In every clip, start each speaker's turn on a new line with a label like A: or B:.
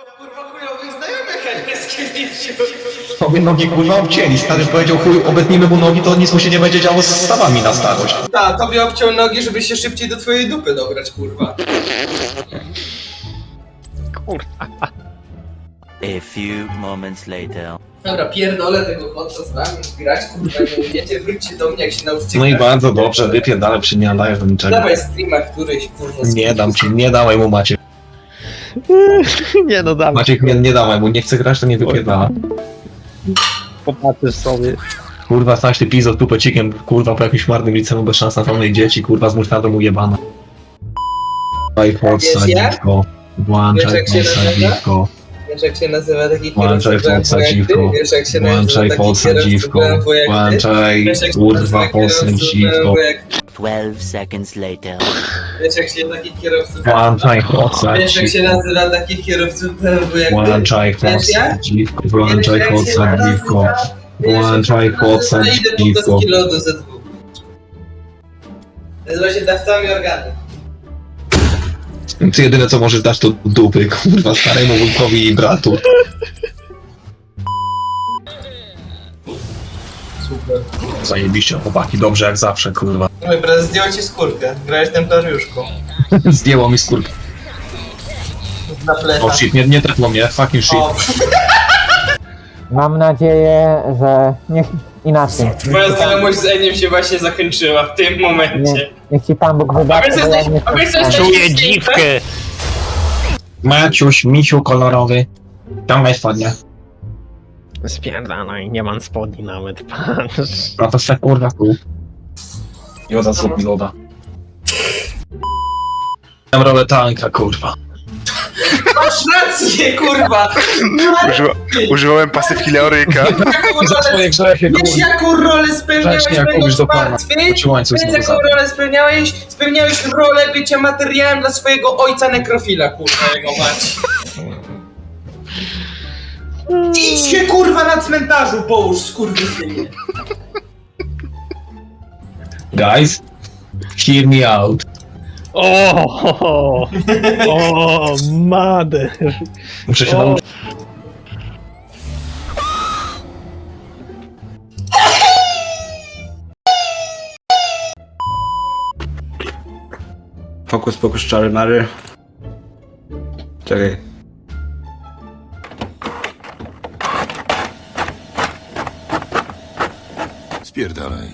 A: Kurwa chujowych znajomych, a nie z kimś.
B: Sobie nogi kurwa obcięli, stary powiedział chuj, obetnijmy mu nogi, to nic mu się nie będzie działo z stawami na starość.
A: Ta, tobie obciął nogi, żeby się szybciej do twojej dupy dobrać, kurwa.
C: Kurwa.
D: A few moments later.
A: Dobra, pierdolę tego chłopca z wami, grać, kurwa, nie umiecie, wróćcie do mnie, jak się nauczycie
B: No i
A: grać.
B: bardzo dobrze, wypierdalę przy nie dajesz do niczego.
A: Dawaj streama któryś, kurwa.
B: Nie dam ci, nie dawaj mu Maciek.
C: Nie no dawaj,
B: Maciek, nie dawaj mu, nie chce grać, to nie wypierdala.
C: popatrzysz sobie.
B: Kurwa, stać ty pizzo tupecikiem, kurwa, po jakimś marnym liceum bez szans na pełnej dzieci, kurwa, z musztardą ujebana. Włączaj Foxa,
A: Wiesz jak?
B: dziwko.
A: Wiesz,
B: Włączaj
A: jak się
B: Foxa,
A: nazywa?
B: dziwko.
A: Wiesz jak się nazywa taki
B: Włączaj
A: kierowca
B: Foxa,
A: BMW jak ty?
B: dziwko.
A: Wiesz jak się nazywa
B: Włączaj
A: taki
B: Foxa,
A: kierowca
B: dziwko.
A: BMW jak ty?
B: Włączaj,
A: Wiesz jak się
B: kurwa,
A: nazywa
B: Foxa,
A: kierowca
B: dziwko.
A: BMW jak ty?
D: 12 seconds later.
A: Wiesz jak się taki kierowca
B: Włączaj Foxa,
A: Wiesz jak się
B: dziwko.
A: nazywa takich kierowców BMW jak ty?
B: Włączaj
A: Wiesz
B: Foxa,
A: jak?
B: dziwko.
A: Wiesz,
B: Włączaj
A: jak się
B: Foxa,
A: nazywa?
B: dziwko.
A: Wiesz, jak
B: Włączaj
A: się
B: Foxa,
A: nazywa? Idę po
B: dziwko.
A: deski lodu ze dwóch. Nazywa się dawcami organu.
B: Ty jedyne co możesz dać to dupy, kurwa, staremu wujkowi i bratu.
A: Super.
B: Zajebiście, chłopaki, dobrze jak zawsze, kurwa.
A: Mój brat zdjął ci skórkę. Grałeś templariuszką.
B: Zdjęło mi skórkę.
A: Na plecach.
B: O shit, nie tepło mnie, fucking shit.
A: O,
E: Mam nadzieję, że inaczej.
A: twoja znajomość z Eniem się właśnie zakończyła w tym momencie.
E: Niech ci Pan Bóg wybaczy,
A: A wiesz,
E: bo ja
A: jesteś-
E: nie
A: a wiesz,
E: chcę-
A: jesteś-
C: Czuję dziwkę!
B: Maciuś, misiu kolorowy. Ciągaj spodnie.
C: Spierdalaj, nie mam spodni nawet, patrz.
B: No to se kurwa tu. Joda zrób mi loda. Mam rolę tanka, kurwa.
A: Masz rację, kurwa!
F: Używałem pasywki Leoryka.
B: Za swoje grzechy,
A: Wiesz
B: kurwa.
A: jaką rolę spełniałeś
B: Grzecznie jak
A: będąc
B: mówisz do pana.
A: martwy?
B: Bo ci łańcuch
A: Wiesz
B: znowu
A: jaką
B: zabrał.
A: rolę spełniałeś? Spełniałeś rolę bycia materiałem dla swojego ojca nekrofila, kurwa, jego mać. Idź się, kurwa, na cmentarzu połóż, skurwysynie.
B: Guys, hear me out.
C: O, mader.
B: Muszę się
C: O.
B: nauczyć.
F: Fokus, pokus, czary, mary. Czekaj.
G: Spierdalaj.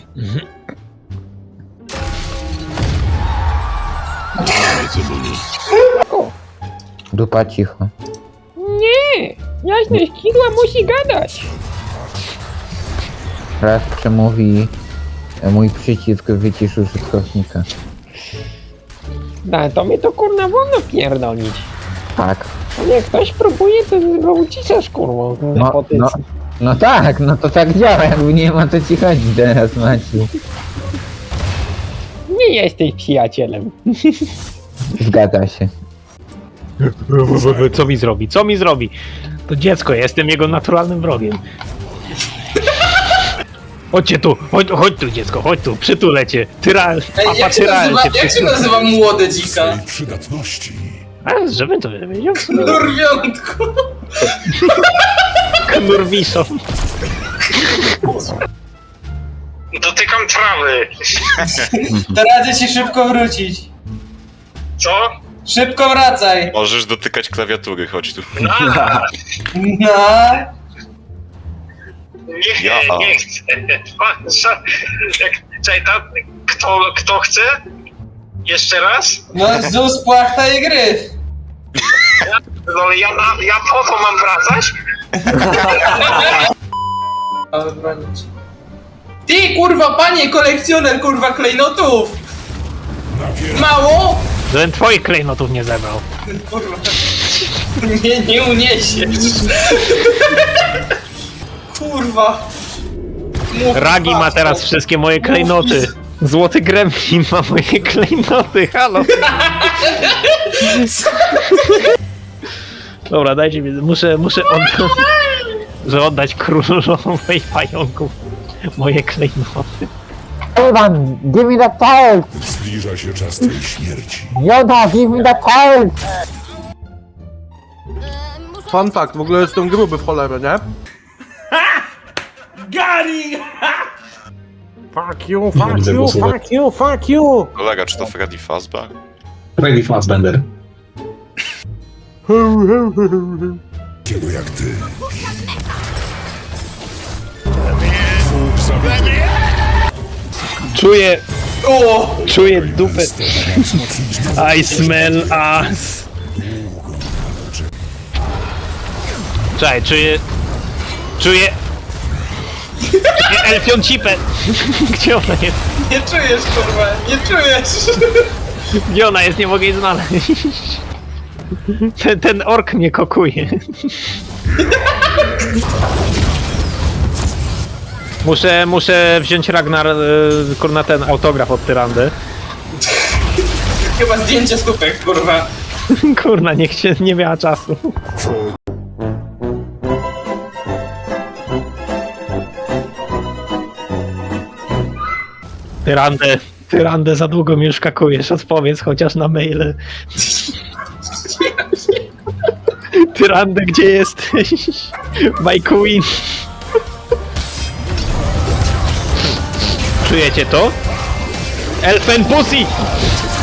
E: Dupa cicho.
H: Jasne, skidła musi gadać.
E: Raz przemówi mój przycisk wycisz użytkownika.
H: Da, to mnie to kurna wolno pierdolić.
E: Tak.
H: A jak ktoś próbuje, to go uciszasz kurwą.
E: No tak, no to tak działa, jakby nie ma to ci chodzi teraz, Maciu.
H: Nie jesteś przyjacielem.
E: Zgadza się.
C: Co mi zrobi? Co mi zrobi? To dziecko, ja jestem jego naturalnym wrogiem. Chodźcie tu, chodź tu dziecko, chodź tu, przytulę cię.
A: Ej, jak się nazywa młode dzika?
G: Przydatności.
C: A, żebym to wiedział.
A: Norwiątko.
C: Knurwiszą.
I: Dotykam trawy.
A: To radzę ci szybko wrócić.
I: Co?
A: Szybko wracaj.
J: Możesz dotykać klawiatury, chodź tu.
A: No.
I: Nie chcę. Czekaj, kto chce? Jeszcze raz?
A: No, Zus, płachta i gryf.
I: No ale ja po to mam wracać?
A: Ale bronić. Ty, kurwa, panie kolekcjoner, kurwa, klejnotów! Mało?
C: Żebym twoich klejnotów nie zebrał.
A: Kurwa. Nie uniesiesz. Kurwa. Mów,
C: Ragi ma
A: patrz,
C: teraz wszystkie moje klejnoty. Złoty gremlin ma moje klejnoty, halo. Dobra, dajcie mi, muszę oddać królowej pająków moje klejnoty.
E: Iwan, give me the torch!
G: Zbliża się czas twojej śmierci.
E: Yoda, give me the torch!
K: Muszę Fun fact, w ogóle jestem gruby w cholerę, nie?
A: Gary!
K: Fuck you,
B: Nie widzę głosówek.
K: fuck you, fuck you!
J: Kolega, czy to Freddy Fazbear?
B: Freddy Fazbender.
G: Kiego jak ty.
C: Czuję dupę. I smell ass. Czekaj, czuję elfią cipę. Gdzie ona jest?
A: Nie czujesz, kurwa, nie czujesz!
C: Gdzie ona jest? Nie mogę jej znaleźć. Ten ork mnie kokuje. Muszę wziąć Ragnar, kurna, ten autograf od Tyrandy.
A: Chyba zdjęcie stópek, kurwa.
C: Kurna, niech się nie miała czasu. Tyrandę, za długo mi już kakujesz, odpowiedz chociaż na maile. Tyrandę, gdzie jesteś? My queen. Czujecie to? Elfen pussy!